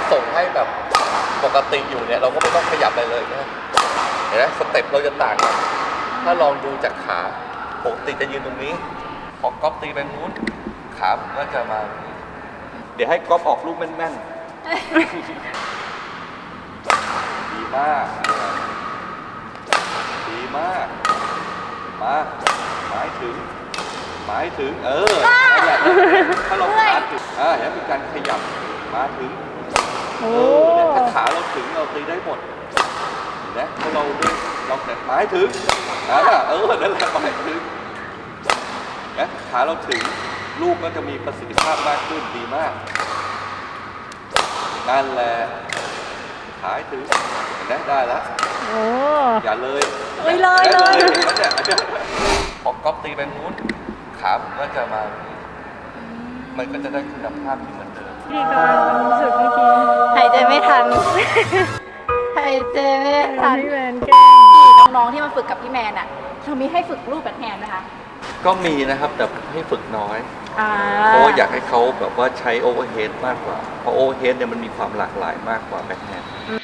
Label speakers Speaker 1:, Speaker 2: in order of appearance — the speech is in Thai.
Speaker 1: ส่งให้แบบปกติอยู่เนี่ยเราก็ไม่ต้องขยับอะไรเลยนะเห็นไหมสเต็ปเราจะต่างกันถ้าลองดูจากขาปกติจะยืนตรงนี้พอก๊อฟตีไปนู้นขาผมก็จะมาเดี๋ยวให้ก๊อฟออกลูกแม่นๆดีมากดีมากมาหมายถึงนั่นแหละถ้าเราขาถึงเห็นเป็นการขยับมาถึงเนี่ยถ้าขาเราถึงเราตีได้หมดเห็นไหมถ้าเราด้วยเราแต่หมายถึงนั่นแหละหมายถึงนะขาเราถึงลูกก็จะมีประสิทธิภาพมากขึ้นดีมากนั่นแหละขาถึงเห็นไหมได้แล้วอย่าเลยพอก๊อปตีไปนู้นขาผมก็จะมามันก็จะได้คุณภาพที่เหมือนเดิม
Speaker 2: พี่กำลังรู้สึกเมื่อกี้
Speaker 3: หายใจไม่ทันหายใจไม่ทัน
Speaker 2: พี่แมนแกล้ง
Speaker 3: น้องๆที่มาฝึกกับพี่แมนอ่ะเรามีให้ฝึกรูปแบบแฮนด์นะคะ
Speaker 1: ก็มีนะครับแต่ให้ฝึกน้อยเพราะว่าอยากให้เขาแบบว่าใช้โอเวอร์เฮดมากกว่าเพราะโอเวอร์เฮดเนี่ยมันมีความหลากหลายมากกว่าแบ็คแฮนด์